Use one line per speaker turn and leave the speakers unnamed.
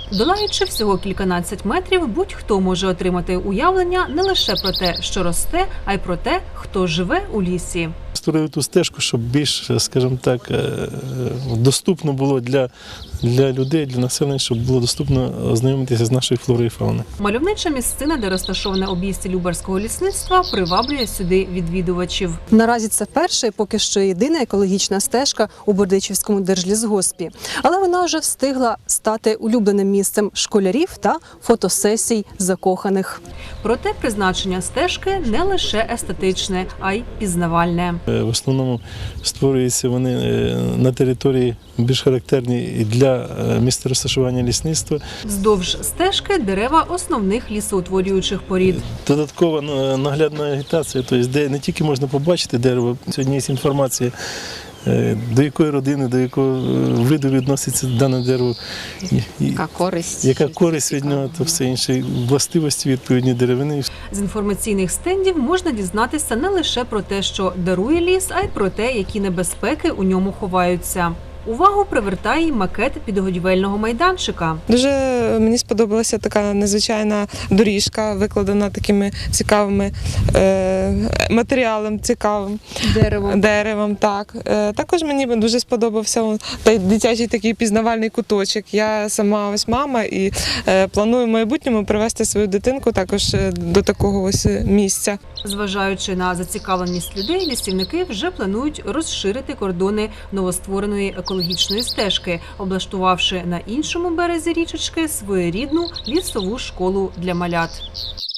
Долаючи всього кільканадцять метрів, будь-хто може отримати уявлення не лише про те, що росте, а й про те, хто живе у лісі.
Створив ту стежку, щоб більш, скажімо так, доступно було для людей, для населення, щоб було доступно ознайомитися з нашою флорою і фауною.
Мальовнича місцина, де розташоване обійстя Любарського лісництва, приваблює сюди відвідувачів.
Наразі це перша і поки що єдина екологічна стежка у Бердичівському держлісгоспі. Але вона вже встигла стати улюбленим місцем школярів та фотосесій закоханих.
Проте призначення стежки не лише естетичне, а й пізнавальне.
В основному створюються вони на території більш характерні і для місця розташування лісництва.
Вздовж стежки дерева основних лісоутворюючих порід.
Додаткова наглядна агітація, тобто де не тільки можна побачити дерево, сьогодні є інформація, до якої родини, до якого виду відноситься дане дерево, яка користь від нього, та все інше, властивості відповідні деревини.
З інформаційних стендів можна дізнатися не лише про те, що дарує ліс, а й про те, які небезпеки у ньому ховаються. Увагу привертає й макет підгодівельного майданчика.
Дуже мені сподобалася така незвичайна доріжка, викладена такими цікавими матеріалом, цікавим деревом. Так. Також мені дуже сподобався дитячий такий пізнавальний куточок. Я сама ось мама і планую в майбутньому привезти свою дитинку також до такого ось місця.
Зважаючи на зацікавленість людей, лісівники вже планують розширити кордони новоствореної екологічної стежки, облаштувавши на іншому березі річечки своєрідну лісову школу для малят.